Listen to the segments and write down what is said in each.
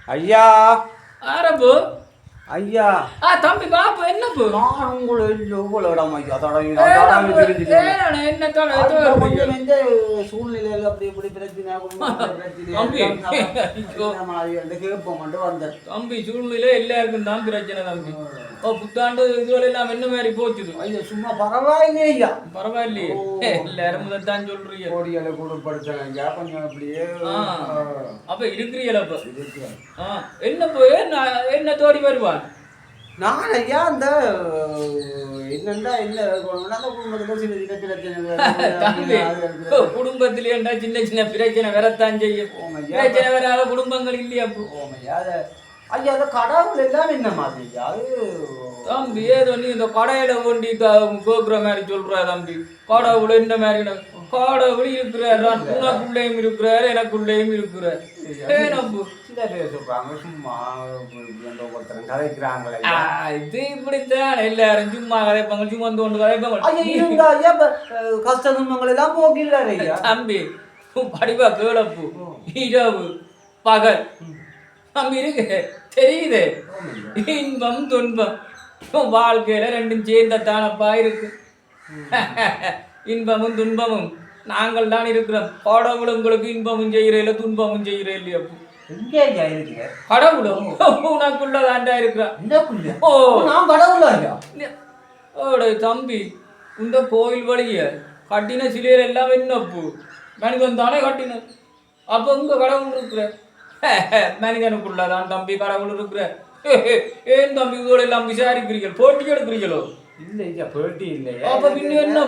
ஐயா ஆரம்பு ஐயா தம்பி பாப்பா என்ன போ நான் உங்களை உங்களிடம் ஐயா என்ன கொஞ்சம் எந்த சூழ்நிலையில் அப்படி இப்படி பிரச்சனை கேட்போம் வந்தேன் தம்பி சூழ்நிலை எல்லாருக்கும் தான் பிரச்சனை தம்பி புத்தாண்டு இதுவரை எல்லாம் என்ன மாதிரி போச்சுது ஐயா சும்மா பரவாயில்லையே ஐயா பரவாயில்லையே எல்லாரும் முதல் சொல்றீங்க கோடிகளை குடும்பப்படுத்தலாம் ஐயா கொஞ்சம் அப்படியே அப்ப இருக்கிறீங்களா அப்ப என்ன போய் என்ன தோடி வருவான் நான் ஐயா அந்த என்னண்டா என்ன அந்த குடும்பத்துல சின்ன சின்ன பிரச்சனை குடும்பத்திலே சின்ன சின்ன பிரச்சனை வரத்தான் செய்யும் பிரச்சனை வராத குடும்பங்கள் இல்லையா ஐயா ஐயா அந்த கடவுள் எல்லாம் என்ன மாதிரி அது தம்பி ஏதோ நீ இந்த கடையில ஒண்டி கோக்குற மாதிரி சொல்ற தம்பி கடவுள் என்ன மாதிரி கடவுள் இருக்கிறார் உனக்குள்ளேயும் இருக்கிறார் எனக்குள்ளேயும் இருக்கிறார் சில பேர் சொல்றாங்க சும்மா கதைக்கிறாங்களே இது இப்படித்தான் எல்லாரும் சும்மா கதைப்பாங்க சும்மா வந்து கதைப்பாங்க கஷ்ட துன்பங்கள் எல்லாம் போக்கில்லாரு தம்பி படிவா கேளப்பு இரவு பகல் தம்பி இருக்கு தெரியுது இன்பம் துன்பம் வாழ்க்கையில ரெண்டும் சேர்ந்தத்தானப்பா இருக்கு இன்பமும் துன்பமும் நாங்கள் தான் இருக்கிறோம் கடவுள் உங்களுக்கு இன்பமும் செய்யறேன் துன்பமும் செய்யறேன் இல்லையா கடவுளும் உனக்குள்ளதாண்டா இருக்கிறான் தம்பி இந்த கோயில் வழிய கட்டின சிலையர் எல்லாம் என்னப்பு மனிதன் தானே கட்டின அப்ப உங்க கடவுள் இருக்கிற மனிதனுக்குள்ளதான் தம்பி கடவுள் இருக்கிற ஏன் தம்பி இதோட எல்லாம் விசாரிக்கிறீர்கள் போட்டி எடுக்கிறீங்களோ இல்ல போட்டி இல்லையா அப்ப பின்ன என்ன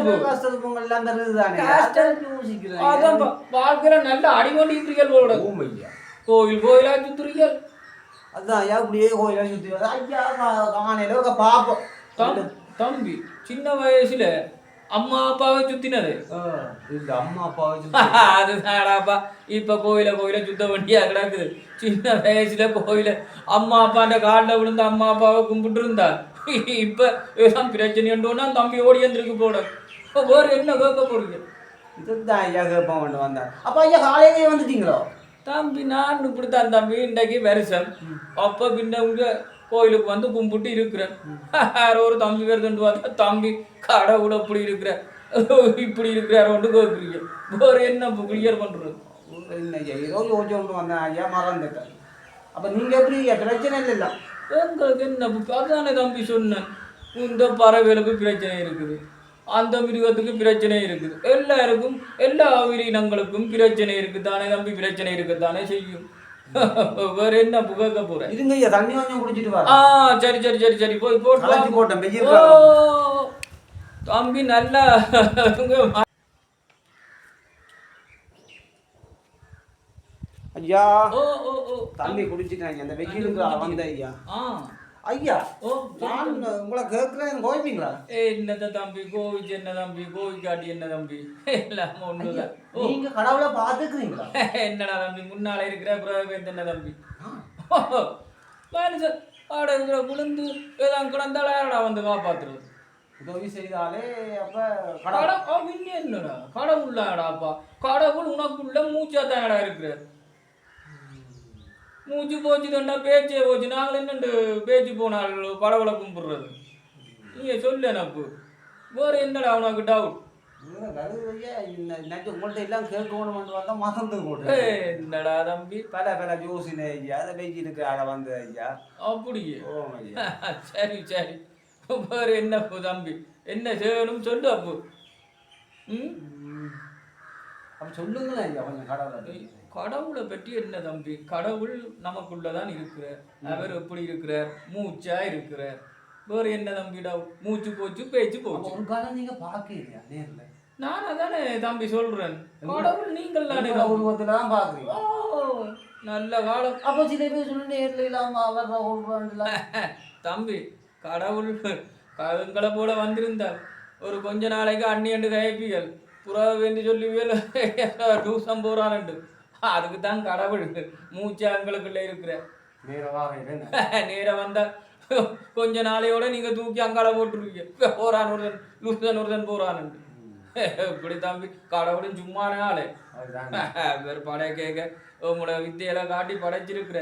வாழ்க்கையில நல்ல அடிமொழிக்கிறீர்கள் கோயில் கோயிலா சுத்துறீர்கள் அதான் ஐயா அப்படியே கோயிலா சுத்தி ஐயா காணையில பாப்போம் தம்பி சின்ன வயசுல அம்மா அப்பாவை சுத்தினது அம்மா அப்பாவை அதுதான்டாப்பா இப்ப கோயில சுத்த வேண்டியா கிடக்குது சின்ன வயசுல கோயில அம்மா அப்பாண்ட காலில் விழுந்து அம்மா அப்பாவை கும்பிட்டு இருந்தா இப்ப ஏதான் பிரச்சனைன்னா தம்பி ஓடி வந்துருக்கு போட வேற என்ன கேட்க போறீங்க இதுதான் ஐயா கேட்போம் வந்தேன் அப்ப ஐயா காலையிலேயே வந்துட்டீங்களோ தம்பி நான் இப்படித்தான் தம்பி இன்றைக்கு வருஷம் அப்ப பின்ன உங்க கோயிலுக்கு வந்து கும்பிட்டு இருக்கிறேன் ஒரு தம்பி வருதுன்னு பார்த்தா தம்பி கடவுள் அப்படி இருக்கிற இப்படி இருக்கிறார் ஒன்று கேட்குறீங்க வேற என்ன கிளியர் பண்றது ஏதோ யோசிச்சு கொண்டு வந்தேன் ஐயா மறந்துட்டேன் அப்ப நீங்க எப்படி பிரச்சனை இல்லை எங்களுக்கு என்ன அதானே தம்பி சொன்னேன் இந்த பறவைகளுக்கு பிரச்சனை இருக்குது அந்த மிருகத்துக்கு பிரச்சனை இருக்குது எல்லாருக்கும் எல்லா உயிரினங்களுக்கும் பிரச்சனை இருக்குதானே தம்பி பிரச்சனை இருக்குதானே செய்யும் வேற என்ன புகக்க போற இருங்க ஐயா தண்ணி கொஞ்சம் குடிச்சிட்டு வா சரி சரி சரி சரி போய் போட்டேன் தம்பி நல்லா ஐயா தண்ணி குடிச்சிட்டாங்க அந்த வெயிலுக்கு வந்த ஐயா ஐயா நான் உங்களை கேட்கிறேன் கோவிப்பீங்களா என்னத தம்பி கோவிச்சு என்ன தம்பி கோவிக்காட்டி என்ன தம்பி எல்லாம் ஒண்ணுதான் நீங்க கடவுளை பாத்துக்கிறீங்களா என்னடா தம்பி முன்னால இருக்கிற பிரவேத் என்ன தம்பி மனுஷன் ஆடுங்கிற குளிர்ந்து ஏதாவது கிடந்தாடா வந்து காப்பாத்துறது உதவி செய்தாலே அப்ப கடவுள் என்னடா கடவுள்லாடாப்பா கடவுள் உனக்குள்ள மூச்சா தானடா இருக்கிற மூச்சு போச்சு தண்டா பேச்சே போச்சு நாங்கள் என்னண்டு பேச்சு போனால் கடவுளை கும்பிடுறது நீங்க சொல்லு எனக்கு வேற என்னடா உனக்கு டவுட் உங்கள்ட்ட எல்லாம் கேட்கணும் வந்தா மறந்து போட்டு என்னடா தம்பி பல ஜோசின ஐயா அதை வெஜி இருக்கு அதை வந்து ஐயா அப்படியே சரி சரி வேற என்ன தம்பி என்ன செய்யணும் சொல்லு அப்போ அப்ப சொல்லுங்களேன் ஐயா கொஞ்சம் கடவுளை கடவுளை பற்றி என்ன தம்பி கடவுள் நமக்குள்ளதான் இருக்கிறார் அவர் எப்படி இருக்கிறார் மூச்சா இருக்கிறார் வேற என்ன தம்பிடா மூச்சு போச்சு பேச்சு போச்சு ஒரு காலம் நீங்க பாக்குறீங்க நேர்ல நான் அதானே தம்பி சொல்றேன் கடவுள் நீங்கள் தானே உருவத்துலதான் பாக்குறீங்க நல்ல காலம் அப்போ சில பேர் சொல்லி நேர்ல இல்லாம அவர் தம்பி கடவுள் எங்களை போல வந்திருந்தார் ஒரு கொஞ்ச நாளைக்கு அண்ணியண்டு கைப்பிகள் புறா வேண்டி சொல்லுவியல் டூசம் போறான்னு அதுக்கு தான் கடவுள் மூச்சு அங்களுக்குள்ள இருக்கிற நேரம் வந்தா கொஞ்ச நாளையோட நீங்க தூக்கி அங்கால போட்டுருவீங்க போறான் ஒருதன் லூசன் ஒருதன் போறான்னு இப்படி தம்பி கடவுளும் சும்மான ஆளு வேறு படைய கேட்க உங்களோட வித்தையெல்லாம் காட்டி படைச்சிருக்கிற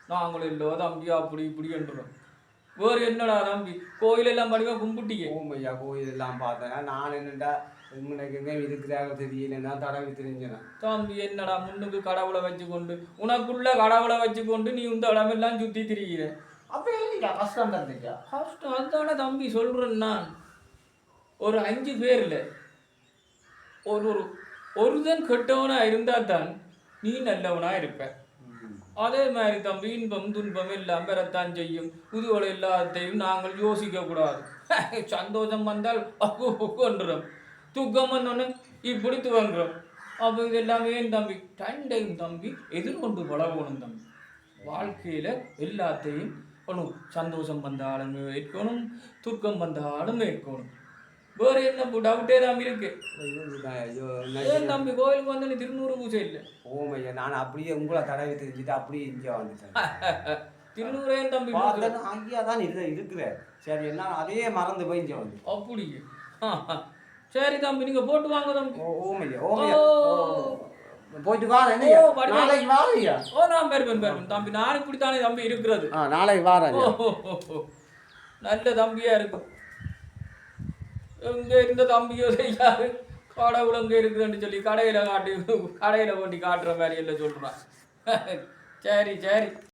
நாங்களும் இல்லை தம்பி அப்படி இப்படி என்றோம். வேறு என்னடா தம்பி கோயிலெல்லாம் படிவா கும்பிட்டியே? ஓமையா கோயில் எல்லாம் பார்த்தேன்னா நான் என்னடா உனக்கு எங்கே இருக்கிறாங்க தெரியலன்னா தடவி தெரிஞ்சேன். தம்பி என்னடா முன்னுக்கு கடவுளை வச்சுக்கொண்டு உனக்குள்ள கடவுளை வச்சுக்கொண்டு நீ இந்த இடமெல்லாம் சுற்றி திரிகிற. அப்போ இல்லையா கஷ்டம் தந்துச்சா? கஷ்டம் அதுதானே தம்பி சொல்கிறேன் நான். ஒரு 5 பேரில் ஒரு ஒருதன் கெட்டவனாக இருந்தால் தான் நீ நல்லவனாக இருப்ப. அதே மாதிரி தம்பி இன்பம் துன்பம் எல்லாம் பெறத்தான் செய்யும். புதுவளை எல்லாத்தையும் நாங்கள் யோசிக்கக்கூடாது. சந்தோஷம் வந்தால் கொண்டுறோம், துக்கம் வந்தோன்னு இப்படி துவங்குறோம். அப்போ இது எல்லாமே தம்பி டைம் தம்பி எதிர்கொண்டு பழகணும் தம்பி. வாழ்க்கையில் எல்லாத்தையும் ஒன்றும் சந்தோஷம் வந்தாலும் ஏற்கணும், துக்கம் வந்தாலும் ஏற்கணும். வேறு என்ன டவுட்டே தான் இருக்கு. ஏன் தம்பி கோயிலுக்கு வந்து நீ திருநூறு பூஜை இல்லை? ஓமையா நான் அப்படியே உங்களை தடவி தெரிஞ்சுட்டு அப்படியே இங்கே வந்துட்டேன். திருநூறே தம்பி ஐயா தான் இருக்கிறேன். சரி என்ன அதே மறந்து போய் இங்கே வந்து அப்படி. சரி தம்பி நீங்கள் போட்டு வாங்க தம்பி. ஓமையா ஓமையா போயிட்டு வா. நாளைக்கு வாரையா? நான் பெருப்பேன் தம்பி. நான் இப்படித்தானே தம்பி இருக்கிறது. நாளைக்கு வாரேன். நல்ல தம்பியா இருக்கும். எங்கே இருந்த தம்பியோ செய்யாது கடவுள் எங்கே இருக்குதுன்னு சொல்லி கடையில் கொண்டு காட்டுற மாதிரி எல்லாம் சொல்கிறான். சரி.